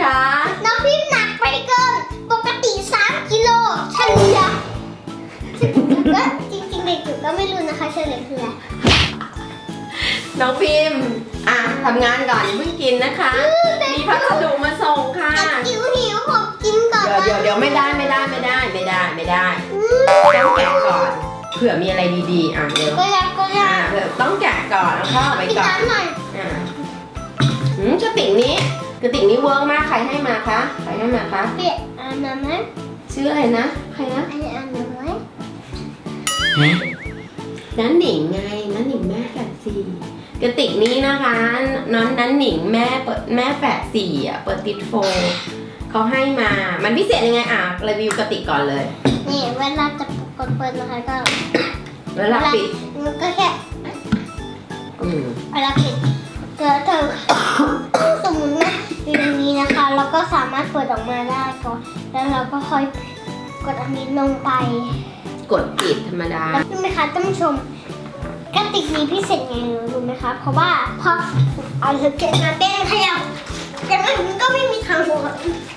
คะน้องพิมหนักไปเกินปกติ3 กิโลเฉลี่ยก็จริงๆเด็กจุ๋ก็ไม่รู้นะคะเฉลี่ยคืออะไรน้องพิมทำงานก่อนอย่าเพิ่งกินนะคะมีพัสดุมาส่งค่ะหิวผมกินก่อนเดี๋ยวไม่ได้ต้องแกะก่อนเผื่อมีอะไรดีๆเดี๋ยวก็ได้เผื่อต้องแกะก่อนแล้วเข้าไปก่อนกระติกนี้เวิร์กมากใครให้มาคะเปียอ่านไหมชื่ออะไรนะใครนะอ่านไหมนันหนิงไงนันหนิงแม่แฝดสี่กระติกนี้นะคะนันหนิงแม่แฝดสี่เปิดติดโฟเขาให้มามันพิเศษยังไงรีวิวกระติกก่อนเลยนี่เวลาจะกดเปิดนะคะก็เวลาปิดมันก็แค่เวลาปิดเธอสมมติว่าอยู่ตรงนี้นะคะเราก็สามารถเปิดออกมาได้ก่อนแล้วเราก็ค่อยกดอันนี้ลงไปกดปิดธรรมดารู้ไหมคะท่านผู้ชมกระติกนี้พิเศษไงรู้ไหมคะเพราะว่าพอเอาเก็บมาเต้นขยับแต่มันก็ไม่มีทางหัว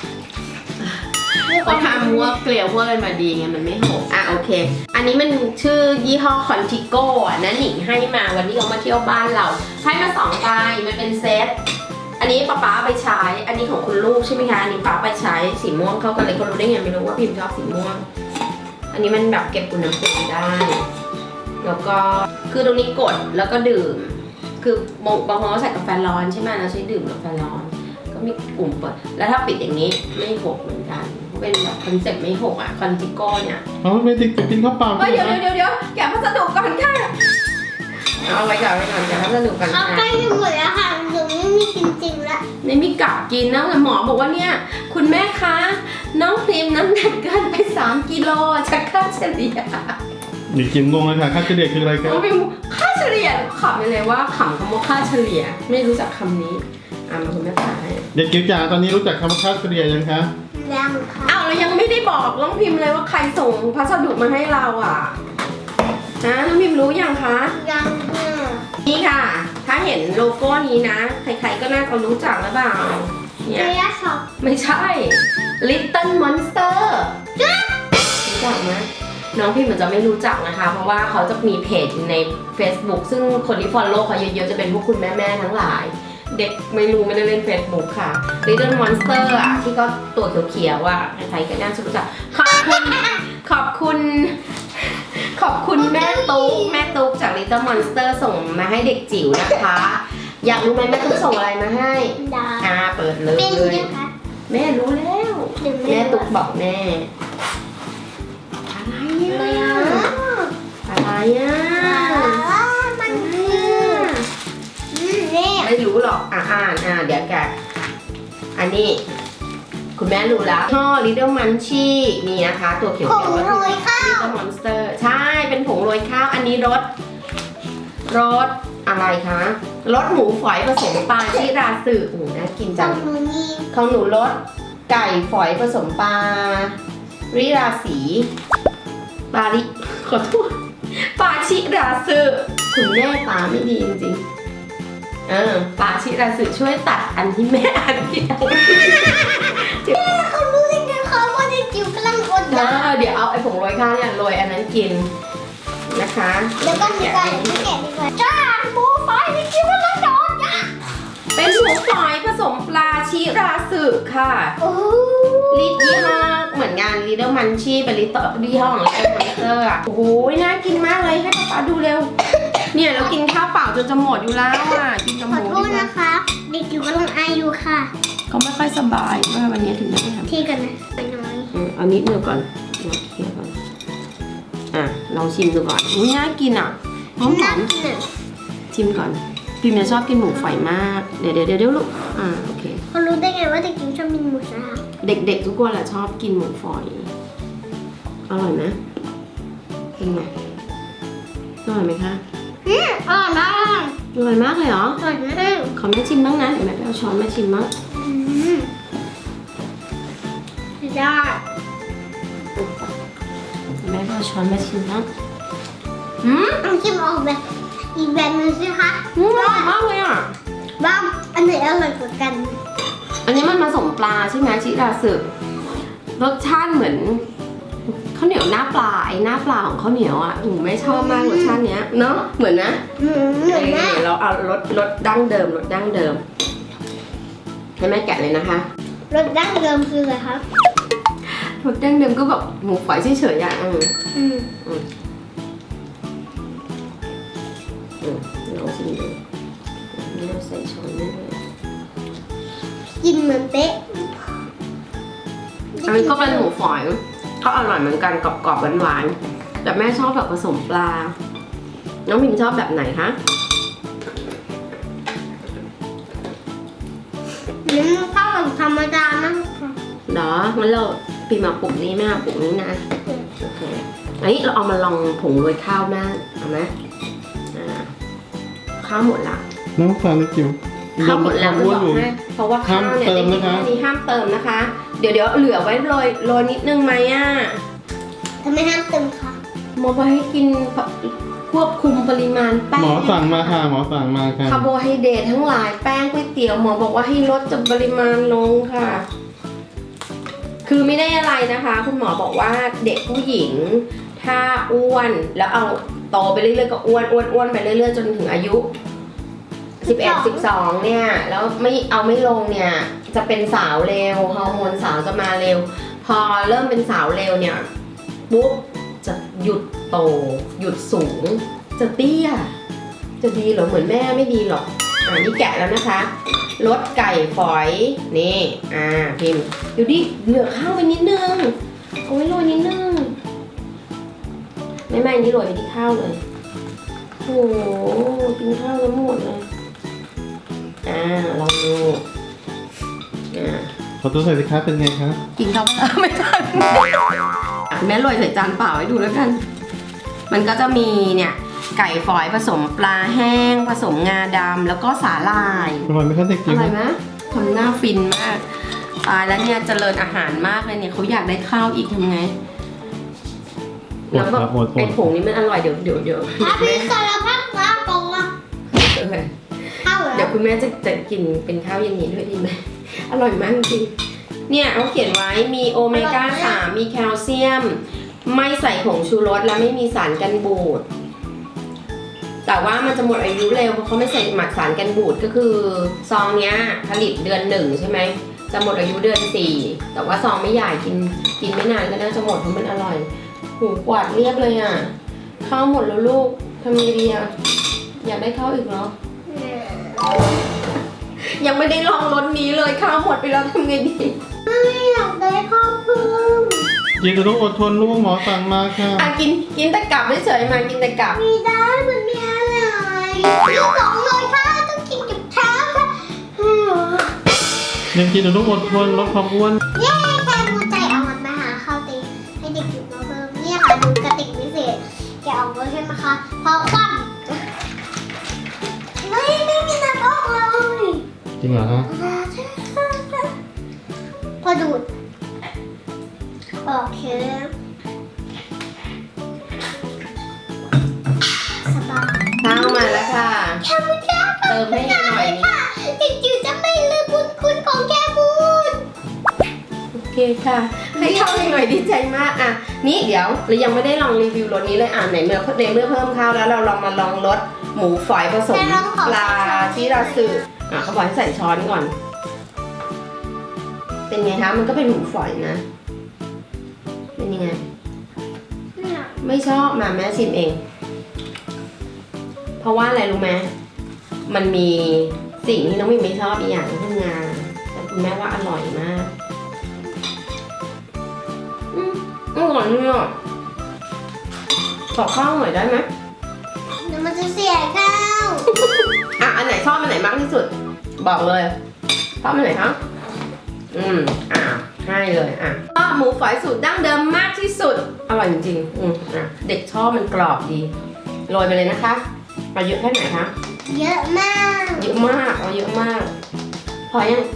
เขาทำว่าเกลียวพวกอะไรมาดีไงมันไม่หกโอเคอันนี้มันชื่อยี่ห้อคอนติโก้นะหนิงให้มาวันที่เขามาเที่ยวบ้านเราให้มา2 ใบมันเป็นเซตอันนี้ป๊าไปใช้อันนี้ของคุณลูกใช่ไหมคะอันนี้ป๊าไปใช้สีม่วงเข้ากันเลยก็รู้ได้ไงไม่รู้ว่าพิมชอบสีม่วงอันนี้มันแบบเก็บอุณหภูมิได้แล้วก็คือตรงนี้กดแล้วก็ดื่มคือบางคนเขาใส่กาแฟร้อนใช่ไหมเราใช้ดื่มกาแฟร้อนก็มีปุ่มเปิดแล้วถ้าปิดอย่างนี้ไม่หกเหมือนกันเป็นแบบคอนเซ็ปต์ไม่หกคอนติโก้เนี่ยไม่ติดจะกินข้าวเปล่าเดี๋ยวแกะพัสดุก่อนค่ะเอาไว้ก่อนแกะพัสดุก่อนค่ะใกล้จะหมดแล้วค่ะหนูไม่มีจริงๆแล้วไม่มีกลับกินนะแต่หมอบอกว่าเนี่ยคุณแม่คะน้องพิมน้ำหนักเกินไป3 กิโลจะค่าเฉลี่ยเด็กจิ๋มงงเลยค่ะค่าเฉลี่ยคืออะไรครับค่าเฉลี่ยขำไปเลยว่าขำคำว่าค่าเฉลี่ยไม่รู้จักคำนี้มาคุณแม่ตาให้เด็กจิ๋วจ๋าตอนนี้รู้จักคำว่าค่าเฉลี่ยยังคะยังค่ะเรายังไม่ได้บอกน้องพิมเลยว่าใครส่งพัสดุมาให้เราน้องพิมรู้ยังคะยังนี่ค่ะถ้าเห็นโลโก้นี้นะใครๆก็น่าจะรู้จักหรือเปล่าเนี่ยไม่ใช่ Little Monster รู้จักไหมน้องพิมมันจะไม่รู้จักนะคะเพราะว่าเขาจะมีเพจใน Facebook ซึ่งคนที่ follow เขาเยอะๆจะเป็นพวกคุณแม่ๆทั้งหลายเด็กไม่ได้เล่น Facebook ค่ะ Little Monster ที่ก็ตัวเขียวๆใครๆก็น่าจะรู้จักขอบคุณแม่ตุ๊กจาก Little Monster ส่งมาให้เด็กจิ๋วนะคะอยากรู้ไหมแม่ตุ๊กส่งอะไรมาให้เปิดเลยแม่รู้แล้วแม่ตุ๊กบอกแม่อะไรมันคือไม่รู้หรอกเดี๋ยวแกอันนี้คุณแม่รู้แล้วช่อ Little Munchie มีนะคะตัวเขียวๆ Little Monster ใช่เป็นผงโรยข้าวอันนี้รสอะไรคะรสหมูฝอยผสมปลาชิราสึน่ากินจังของหนูรสไก่ฝอยผสมปลาริราสีขอโทษปลาชิราสึคุณแม่ตาไม่ดีจริงๆปลาชิราสึช่วยตัดอันที่แม่อ่านผิดเขารู้ได้ไงเขาว่าได้จิ๋วกำลังอดอยากเดี๋ยวเอาไอ้ผงโรยข้าวเนี่ยโรยอันนั้นกินนะคะแล้วก็มีการไม่แกะดีกว่าจ้าหมูฝอยนี่จิ๋วกำลังอดอยากเป็นหมูฝอยผสมปลาชิราสึค่ะลิตยี่ห้อเหมือนงาน Little Munchie เป็นยี่ห้อของ Little Monster โอ้โหน่ากินมากเลยให้ป๊าดูเร็วเนี่ยเรากินข้าวเปล่าจนจะหมดอยู่แล้วกินกับหมูขอโทษนะคะเด็กจิ๋วกำลังอายุค่ะเขาไม่ค่อยสบายเมื่อวันนี้ถึงได้ทำที่กันนะไปน้อยเอานิดเดียวก่อนเคี่ยวก่อนลองชิมดูก่อนน่ากินหอมชิมก่อนพิมจะชอบกินหมูฝอยมากเดี๋ยวลูกโอเคเขารู้ได้ไงว่าเด็กจิ๋วชอบกินหมูฝอยเด็กๆทุกคนแหละชอบกินหมูฝอยอร่อยนะเป็นไงอร่อยไหมคะอร่อยมากอร่อยมากเลยเหรออร่อยมากขอแม่ชิมบ้างนะเดี๋ยวแม่ไปเอาช้อนมาชิมบ้างได้แม่ไปเอาช้อนมาชิมบ้างต้องชิมออกแบบอีกแบบนึงสิคะอร่อยมากเลยบ้างอันไหนอร่อยกว่ากันอันนี้มันผสมปลาใช่ไหมชิราสึรสชาติเหมือนข้าวเหนียวหน้าปลาไอ้หน้าปลาของข้าวเหนียวอ่ะหนูไม่ชอบมากรสชาติเนี้ยเนาะเหมือนนะเหมือนแม่เดี๋ยวเราเอารสดั้งเดิมให้แม่แกะเลยนะคะรสดั้งเดิมคืออะไรครับรสดั้งเดิมก็แบบหมูฝอยเฉยๆอ่ะลองชิมดูนี่เราใส่ช้อนนี่เลยกินเหมือนเป๊ะอันนี้ก็เป็นหมูฝอยก็อร่อยเหมือนกันกรอบๆหวานๆแต่แม่ชอบแบบผสมปลาน้องพิมชอบแบบไหนคะนี่มันเข้ากับธรรมดามากค่ะเหรองั้นเราพิมมาปุ่มนี้แม่เอาปุ่มนี้นะโอเคอันนี้เราเอามาลองผงโรยข้าวแม่เอาไหมข้าวหมดละน้องฟังนะจิ๋วข้าวหมดแล้วจะบอกอยู่ให้เพราะว่าข้าวเนี่ยได้กินแค่นี้ห้ามเติมนะคะ เดี๋ยวเหลือไว้โรยนิดนึงไหมอ่ะทำไมห้ามเติมคะหมอบอกให้กินควบคุมปริมาณแป้งหมอสั่งมาค่ะหมอสั่งมาค่ะคาร์โบไฮเดรตทั้งหลายแป้งก๋วยเตี๋ยวหมอบอกว่าให้ลดจำปริมาณลงค่ะ คือไม่ได้อะไรนะคะ คุณหมอบอกว่าเด็กผู้หญิงถ้าอ้วนแล้วเอาโตไปเรื่อยๆก็อ้วนไปเรื่อยๆจนถึงอายุ11 12เนี่ยแล้วไม่ลงเนี่ยจะเป็นสาวเร็วฮอร์โมนสาวจะมาเร็ว พอเริ่มเป็นสาวเร็วเนี่ยปุ๊บจะหยุดโตหยุดสูงจะเตี้ยจะดีเหรอเหมือนแม่ไม่ดีหรอกนี่แกะแล้วนะคะรสไก่ฝอยนี่พิมพ์ดูดิเหลือข้าวไปนิดนึงเอาไว้โรยนิดนึงไม่นี่โรยไปที่ข้าวเลยโอ้โหกินข้าวแล้วหมดเลยลองดูขอตัวใส่สิคะเป็นไงคะกินข้าวไม่ทันแม่โรยใส่จานเปล่าให้ดูแล้วกันมันก็จะมีเนี่ยไก่ฝอยผสมปลาแห้งผสมงาดำแล้วก็สาหร่ายอร่อยไหมคะเด็กอจิ๋วร่อยไหมทำหน้าฟินมากตายแล้วเนี่ยเจริญอาหารมากเลยเนี่ยเขาอยากได้ข้าวอีกทำไงแล้วแบบไอ้ผงนี้มันอร่อยเดี๋ยวถ้าพี่สารพัดว่าตรงอ่ะเข้าเดี๋ยวคุณแม่จะกินเป็นข้าวเย็นนี้ด้วยดีไหมอร่อยมากจริงเนี่ยเขาเขียนไว้มีโอเมก้า 3 มีแคลเซียม ไม่ใส่ผงชูรสและไม่มีสารกันบูดแต่ว่ามันจะหมดอายุเร็วเพราะเขาไม่ใส่หมักสารกันบูดก็คือซองเนี้ยผลิตเดือน 1ใช่ไหมจะหมดอายุเดือน 4แต่ว่าซองไม่ใหญ่กินไม่นานก็น่าจะหมดเพราะมันอร่อยหูกวาดเรียบเลยอ่ะข้าวหมดแล้วลูกทำไงดีอ่ะอยากได้ข้าวอีกเหรอยังไม่ได้ลองรสนี้เลยข้าวหมดไปแล้วทำไงดีไม่อยากได้ข้าวเพิ่มจิ๋วจะต้องอดทนลูกหมอสั่งมาค่ะกินแต่กลับเฉยๆมากินแต่กลับไม่ได้มันไม่อร่อยต้องเลยค่ะต้องกินกับข้าวค่ะยังจิ๋วต้องอดทนลดความอ้วนเย้แค่มูใจเอามันมาหาข้าวตีให้เด็กกินมาเพิ่มเนี่ยค่ะดูกระติกพิเศษแกเอาไว้ใช่ไหมคะพอคว่ำไม่มีน้ำออกเลยจริงเหรอฮะพอดูดโอเคสบายข้าวมาแล้วค่ะแค่บุญค่ะเติมให้หน่อยค่ะเด็กจิ๋วจะไม่ลืมบุญคุณของแค่บุญโอเคค่ะ ให้ข้าวหน่อยดีใจมากอ่ะนี่เดี๋ยวเรายังไม่ได้ลองรีวิวรสนี้เลยในเมื่อเพิ่มข้าวแล้วเราลองมาลองรสหมูฝอยผสมปลาที่เราซื้อเขาบอกให้ใส่ช้อนก่อน เป็นไงคะมันก็เป็นหมูฝอยนะเป็นยังไงไม่ชอบมาแม่ชิมเอง เพราะว่าอะไรรู้ไหมมันมีสิ่งที่น้องมิมไม่ชอบอีกอย่างคืองาแต่คุณแม่ว่าอร่อยมากอร่อยเลยอ่ะขอข้าวหน่อยได้ไหมเดี๋ยวมันจะเสียข้าวอันไหนชอบอันไหนมากที่สุด บอกเลยชอบอันไหนคะให้เลยหมูฝอยสูตรดั้งเดิมมากที่สุดอร่อยจริงๆเด็กชอบมันกรอบดีโรยไปเลยนะคะเอาเยอะแค่ไหนคะเยอะมากเยอะมากเอาเยอะมากพอยัง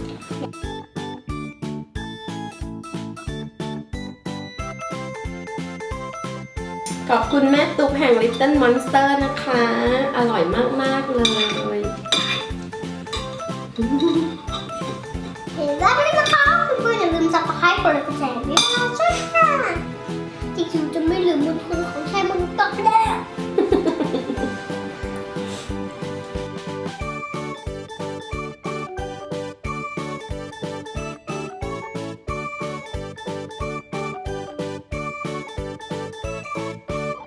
ขอบคุณแม่ตุ๊กแห่ง Little Monster นะคะอร่อยมากๆเลยเห็นแล้วไม่ได้นะคะเพื่อนๆอย่าลืมซับสไครต์กดไลค์กดแชร์ด้วยนะช่วยค่ะจริงๆจะไม่ลืมบุญคุณของชายมนุษย์ต่อไปแล้ว